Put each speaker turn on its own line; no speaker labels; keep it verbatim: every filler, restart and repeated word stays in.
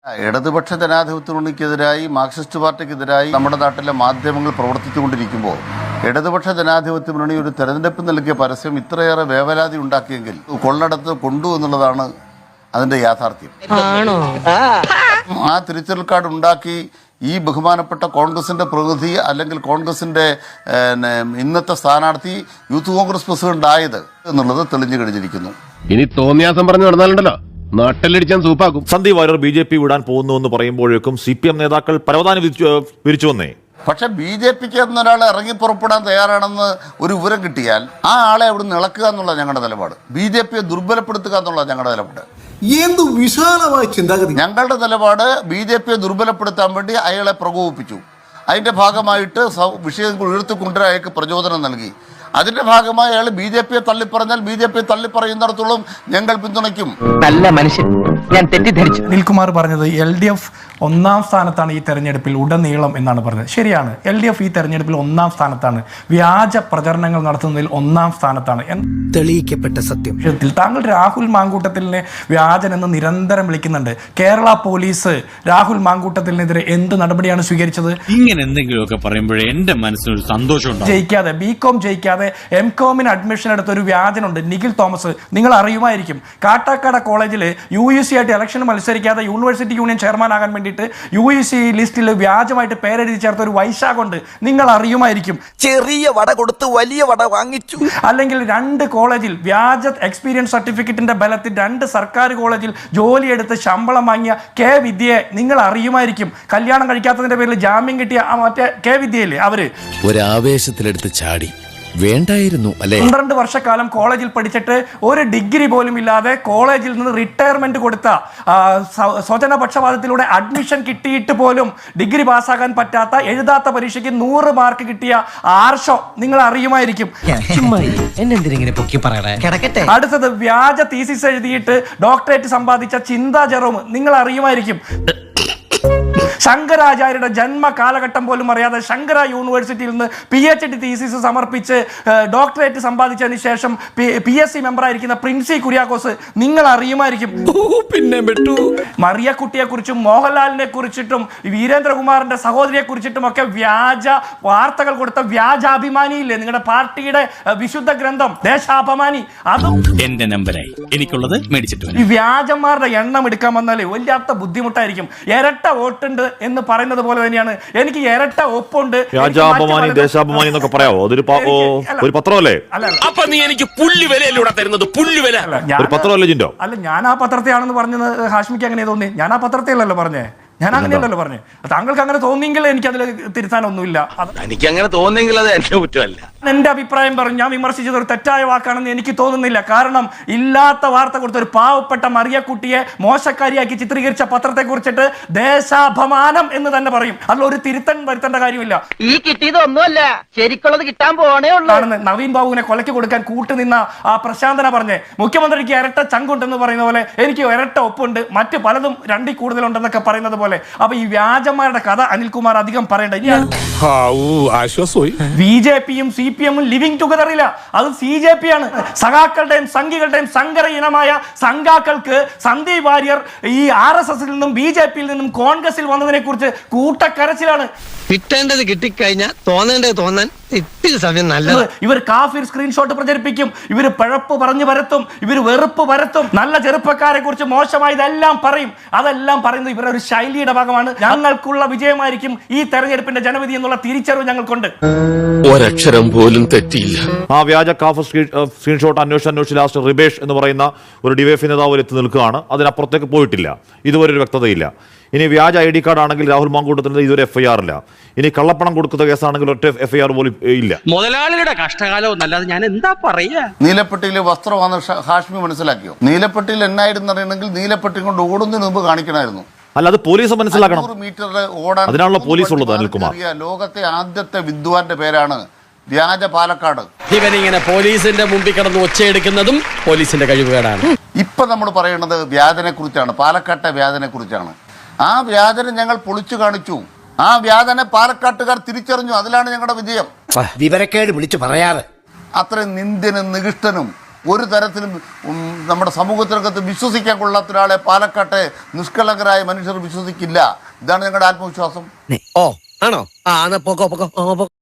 ഇടതുപക്ഷ ജനാധിപത്യ മുന്നണിക്കെതിരായി മാർക്സിസ്റ്റ് പാർട്ടിക്കെതിരായി നമ്മുടെ നാട്ടിലെ മാധ്യമങ്ങൾ പ്രവർത്തിച്ചുകൊണ്ടിരിക്കുമ്പോൾ ഇടതുപക്ഷ ജനാധിപത്യ മുന്നണി ഒരു തെരഞ്ഞെടുപ്പ് നൽകിയ പരസ്യം ഇത്രയേറെ വേവലാതി ഉണ്ടാക്കിയെങ്കിൽ കൊള്ളടത്ത് കൊണ്ടു എന്നുള്ളതാണ് അതിന്റെ യാഥാർത്ഥ്യം. ആ തിരിച്ചറിയൽ കാർഡ് ഉണ്ടാക്കി ഈ ബഹുമാനപ്പെട്ട കോൺഗ്രസിന്റെ പ്രതിനിധി അല്ലെങ്കിൽ കോൺഗ്രസിന്റെ ഇന്നത്തെ സ്ഥാനാർത്ഥി യൂത്ത് കോൺഗ്രസ് പ്രസിഡന്റ് ആയത് എന്നുള്ളത് തെളിഞ്ഞു കഴിഞ്ഞിരിക്കുന്നു.
ഇനി തോന്നിയാസം പറഞ്ഞു നടന്നാലുണ്ടല്ലോ നാട്ടിലടിച്ചാൻ സൂപ്പാക്കും.
Sandeep Warrier B J P വിടാൻ പോകുന്നു എന്ന് പറയുമ്പോഴേക്കും സി പി എം നേതാക്കൾ പരവതാനി വിരിച്ചു വന്നേ.
പക്ഷെ ബി ജെ പിക്ക് എന്നൊരാൾ ഇറങ്ങി പുറപ്പെടാൻ തയ്യാറാണെന്ന് ഒരു വിവരം കിട്ടിയാൽ ആ ആളെ അവിടുന്ന് ഇളക്കുക എന്നുള്ള ഞങ്ങളുടെ നിലപാട്, ബി ജെ പിയെ ദുർബലപ്പെടുത്തുക എന്നുള്ള ഞങ്ങളുടെ നിലപാട്.
എന്ത് വിശാലമായ ചിന്താഗതി!
ഞങ്ങളുടെ നിലപാട് ബി ജെ പിയെ ദുർബലപ്പെടുത്താൻ വേണ്ടി അയാളെ പ്രകോപിപ്പിച്ചു. അതിന്റെ ഭാഗമായിട്ട് വിഷയങ്ങൾ ഉയർത്തിക്കൊണ്ടുവരാൻ അയാൾക്ക് പ്രചോദനം നൽകി. അതിന്റെ ഭാഗമായി അയാൾ ബി ജെ പിയെ തള്ളിപ്പറഞ്ഞാൽ ബി ജെ പിയെ തള്ളിപ്പറയുന്നിടത്തോളം ഞങ്ങൾ പിന്തുണയ്ക്കും.
നല്ല മനുഷ്യൻ, ഞാൻ തെറ്റിദ്ധരിച്ചു.
അനിൽകുമാർ പറഞ്ഞത് എൽ ഡി എഫ് ഒന്നാം സ്ഥാനത്താണ് ഈ തെരഞ്ഞെടുപ്പിൽ ഉടനീളം എന്നാണ് പറഞ്ഞത്. ശരിയാണ്, എൽ ഡി എഫ് ഈ തെരഞ്ഞെടുപ്പിൽ ഒന്നാം സ്ഥാനത്താണ്, വ്യാജ പ്രചരണങ്ങൾ നടത്തുന്നതിൽ ഒന്നാം സ്ഥാനത്താണ്.
തെളിയിക്കപ്പെട്ട സത്യം.
താങ്കൾ രാഹുൽ മാങ്കൂട്ടത്തിലിനെ വ്യാജൻ എന്ന് നിരന്തരം വിളിക്കുന്നുണ്ട്. കേരള പോലീസ് രാഹുൽ മാങ്കൂട്ടത്തിനെതിരെ എന്ത് നടപടിയാണ് സ്വീകരിച്ചത്?
ഇങ്ങനെ എന്തെങ്കിലുമൊക്കെ പറയുമ്പോഴേ എന്റെ മനസ്സിനൊരു സന്തോഷം.
ജയിക്കാതെ ബി കോം ജയിക്കാതെ എം കോമിന് അഡ്മിഷൻ എടുത്ത ഒരു വ്യാജനുണ്ട്, നിഖിൽ തോമസ്. നിങ്ങൾ അറിയുമായിരിക്കും, കാട്ടാക്കാട് കോളേജിൽ യു യു സി ആയിട്ട് ഇലക്ഷൻ മത്സരിക്കാതെ യൂണിവേഴ്സിറ്റി യൂണിയൻ ചെയർമാൻ ആകാൻ വേണ്ടിയിട്ട് യു യു സി ലിസ്റ്റിൽ വ്യാജമായിട്ട് പേരെഴുതി ചേർത്ത ഒരു വൈശാഖുണ്ട്, നിങ്ങൾ അറിയുമായിരിക്കും.
ചെറിയ വട കൊടുത്ത് വലിയ വട വാങ്ങിച്ചു.
അല്ലെങ്കിൽ രണ്ട് കോളേജിൽ വ്യാജ എക്സ്പീരിയൻസ് സർട്ടിഫിക്കറ്റിന്റെ ബലത്തിൽ രണ്ട് സർക്കാർ കോളേജിൽ ജോലിയെടുത്ത് ശമ്പളം വാങ്ങിയ കെ വിദ്യയെ നിങ്ങൾ അറിയുമായിരിക്കും. കല്യാണം കഴിക്കാത്തതിന്റെ പേരിൽ ജാമ്യം കിട്ടിയ മറ്റേ കെ വിദ്യയില്ലേ, അവര്
ഒരാവേശത്തിലെടുത്ത് ചാടി വേണ്ടായിരുന്നു അല്ലേ?
പന്ത്രണ്ട് വർഷക്കാലം കോളേജിൽ പഠിച്ചിട്ട് ഒരു ഡിഗ്രി പോലും ഇല്ലാതെ കോളേജിൽ നിന്ന് റിട്ടയർമെന്റ് കൊടുത്ത സ്വജന പക്ഷപാതത്തിലൂടെ അഡ്മിഷൻ കിട്ടിയിട്ട് പോലും ഡിഗ്രി പാസ്സാകാൻ പറ്റാത്ത, എഴുതാത്ത പരീക്ഷയ്ക്ക് നൂറ് മാർക്ക് കിട്ടിയ ആർഷോ നിങ്ങൾ അറിയുമായിരിക്കും. അടുത്തത് വ്യാജ തീസിസ് എഴുതിയിട്ട് ഡോക്ടറേറ്റ് സമ്പാദിച്ച ചിന്താ ജെറോം നിങ്ങൾ അറിയുമായിരിക്കും. ശങ്കരാചാര്യയുടെ ജന്മ കാലഘട്ടം പോലും അറിയാതെ ശങ്കര യൂണിവേഴ്സിറ്റിയിൽ നിന്ന് പി എച്ച് ഡി തീസിസ് സമർപ്പിച്ച് ഡോക്ടറേറ്റ് സമ്പാദിച്ചതിന് ശേഷം പി എസ് സി മെമ്പറായിരിക്കുന്ന പ്രിൻസി കുര്യാക്കോസ് നിങ്ങൾ അറിയുമായിരിക്കും.
പിന്നെ
മറിയക്കുട്ടിയെ കുറിച്ചും മോഹൻലാലിനെ കുറിച്ചിട്ടും വീരേന്ദ്രകുമാറിന്റെ സഹോദരിയെ കുറിച്ചിട്ടും ഒക്കെ വ്യാജ വാർത്തകൾ കൊടുത്ത വ്യാജാഭിമാനിയില്ലേ നിങ്ങളുടെ പാർട്ടിയുടെ വിശുദ്ധ ഗ്രന്ഥം ദേശാഭിമാനി, അതും
എന്റെ നമ്പറായി എനിക്കുള്ളത് മേടിച്ചിട്ട്.
ഈ വ്യാജന്മാരുടെ എണ്ണം എടുക്കാൻ വന്നാലേ വല്ലാത്ത ബുദ്ധിമുട്ടായിരിക്കും. ഇരട്ട വോട്ടുണ്ട് എന്ന് പറയുന്നത് പോലെ തന്നെയാണ് എനിക്ക് ഇരട്ട ഒപ്പുണ്ട്.
രാജാഭിമാനി ദേശാഭിമാനി എന്നൊക്കെ പറയാവോ? അതൊരു ഒരു പത്രമല്ലേ?
അപ്പൊ നീ എനിക്ക് പുല്ല് വിലയിലൂടെ തരുന്നത് പുല്ല് വില
ഒരു പത്രമല്ലേ ജിൻഡോ?
അല്ല, ഞാൻ ആ പത്രത്തെയാണെന്ന് പറഞ്ഞത് ഹാഷ്മിക്ക് അങ്ങനെ തോന്നി. ഞാൻ ആ പത്രത്തെയല്ലല്ലോ പറഞ്ഞേ, ഞാൻ അങ്ങനെയല്ലല്ലോ പറഞ്ഞു. താങ്കൾക്ക് അങ്ങനെ തോന്നിയെങ്കിൽ എനിക്ക് അതിൽ തിരുത്താനൊന്നുമില്ല.
എനിക്ക് അങ്ങനെ തോന്നിയെങ്കിൽ അത് എന്റെ കുറ്റമല്ല.
എന്റെ അഭിപ്രായം പറഞ്ഞു, ഞാൻ വിമർശിച്ചത് ഒരു തെറ്റായ വാക്കാണെന്ന് എനിക്ക് തോന്നുന്നില്ല. കാരണം ഇല്ലാത്ത വാർത്ത കൊടുത്ത ഒരു പാവപ്പെട്ട മറിയക്കുട്ടിയെ മോശക്കാരിയാക്കി ചിത്രീകരിച്ച പത്രത്തെ കുറിച്ചിട്ട് ദേശാഭിമാനം എന്ന് തന്നെ പറയും. അതിൽ ഒരു തിരുത്തൻ വരുത്തേണ്ട കാര്യമില്ല.
ഈ കിട്ടിയതൊന്നുമല്ല, ശരിക്കുള്ളത് കിട്ടാൻ പോണേ ഉള്ളൂ.
നവീൻ ബാബുവിനെ കൊലയ്ക്ക് കൊടുക്കാൻ കൂട്ടുനിന്ന ആ പ്രശാന്തന പറഞ്ഞേ, മുഖ്യമന്ത്രിക്ക് ഇരട്ട ചങ്കുണ്ടെന്ന് പറയുന്ന പോലെ എനിക്ക് ഇരട്ട ഒപ്പുണ്ട്, മറ്റ് പലതും രണ്ടിൽ കൂടുതലുണ്ടെന്നൊക്കെ പറയുന്നത് പോലെ. അപ്പൊ ഈ വ്യാജന്മാരുടെ കഥ അനിൽകുമാർ അധികം പറയേണ്ട. ബി ജെ പിയും സി പി എമ്മും ലിവിംഗ് ടുഗദർ ഇല്ല, അത് സി ജെ പി ആണ്. സഖാക്കളുടെയും സംഘികളുടെയും സങ്കര ഇനമായ സംഘാക്കൾക്ക് സന്ദീപ് വാര്യർ ഈ ആർ എസ് എസിൽ നിന്നും ബി ജെ പിയിൽ നിന്നും കോൺഗ്രസിൽ വന്നതിനെ കുറിച്ച് കൂട്ടക്കരച്ചിലാണ്.
കിട്ടേണ്ടത് കിട്ടിക്കഴിഞ്ഞാൽ തോന്നേണ്ടത് തോന്നാൻ ഇത്തിരി സമയം നല്ലത്.
ഇവർ കാഫിർ സ്ക്രീൻഷോട്ട് പ്രചരിപ്പിക്കും, ഇവർ പിഴപ്പ് പറഞ്ഞു പരത്തും, ഇവർ വെറുപ്പ് പരത്തും, നല്ല ചെറുപ്പക്കാരെ കുറിച്ച് മോശമായതെല്ലാം പറയും. അതെല്ലാം പറയുന്നത് ഇവരുടെ ഒരു ശൈലിയുടെ ഭാഗമാണ്. ഞങ്ങൾക്കുള്ള വിജയമായിരിക്കും ഈ തെരഞ്ഞെടുപ്പിന്റെ ജനവിധി എന്നുള്ള തിരിച്ചറിവ് ഞങ്ങൾക്കുണ്ട്.
ഒരക്ഷരം പോലും തെറ്റിയില്ല.
ആ വ്യാജ കാഫ് സ്ക്രീൻഷോട്ട് അന്വേഷിച്ച് അന്വേഷിച്ച് ലാസ്റ്റ് റിബേഷ് എന്ന് പറയുന്ന ഒരു ഡിവൈഎഫ് നേതാവ് എത്തി നിൽക്കുകയാണ്. അതിനപ്പുറത്തേക്ക് പോയിട്ടില്ല, ഇതുവരെ ഒരു വ്യക്തതയില്ല. ഇനി വ്യാജ ഐ ഡി കാർഡ് ആണെങ്കിൽ രാഹുൽ മാങ്കൂട്ടത്തിന് ഇതൊരു എഫ് ഐ ആർ ഇല്ല. ഇനി കള്ളപ്പണം കൊടുക്കുന്ന കേസാണെങ്കിൽ ഒറ്റ എഫ് ഐ ആർ പോലും ഇല്ല.
മുതലാളിയുടെ കഷ്ടകാലം എന്നല്ലാതെ ഞാൻ എന്താ പറയാ.
നീലപ്പെട്ടിയിലെ വസ്ത്രമാണ് ഹാഷ്മി മനസ്സിലാക്കിയോ? നീലപ്പെട്ടിയിൽ എന്നായിരുന്നു അറിയണമെങ്കിൽ നീലപ്പെട്ടി കൊണ്ട് ഓടുന്നതിന് മുമ്പ് കാണിക്കണമായിരുന്നു.
അല്ല, അത് പോലീസ് മനസ്സിലാക്കണം.
മീറ്റർ ഓടാൻ
അതിനാണല്ലോ പോലീസ് ഉള്ളത്. അനിൽകുമാർ,
ലോകത്തെ ആദ്യത്തെ വിദ്വാന്റെ പേരാണ് വ്യാജ പാലക്കാട്.
ഇവനിങ്ങനെ പോലീസിന്റെ മുമ്പിൽ കിടന്ന് ഒച്ചയെടുക്കുന്നതും പോലീസിന്റെ കഴിവുകേടാണ്.
ഇപ്പൊ നമ്മൾ പറയുന്നത് വ്യാജനെ കുറിച്ചാണ്, പാലക്കാട്ടെ വ്യാജനെ കുറിച്ചാണ്. ആ വ്യാജനെ ഞങ്ങൾ പൊളിച്ചു കാണിച്ചു. ആ വ്യാജനെ പാലക്കാട്ടുകാർ തിരിച്ചറിഞ്ഞു. അതിലാണ് ഞങ്ങളുടെ വിജയം.
വിവരക്കേട് വിളിച്ചു പറയാതെ
അത്രയും നിന്ദ്യനും നികൃഷ്ടനും ഒരു തരത്തിലും ഉം, നമ്മുടെ സമൂഹത്തിനകത്ത് വിശ്വസിക്കാൻ കൊള്ളാത്ത ഒരാളെ പാലക്കാട്ടെ നിഷ്കളങ്കരായ മനുഷ്യർ വിശ്വസിക്കില്ല. ഇതാണ് ഞങ്ങളുടെ ആത്മവിശ്വാസം.
ഓ ആണോ ആ പൊക്കോ പൊക്കോ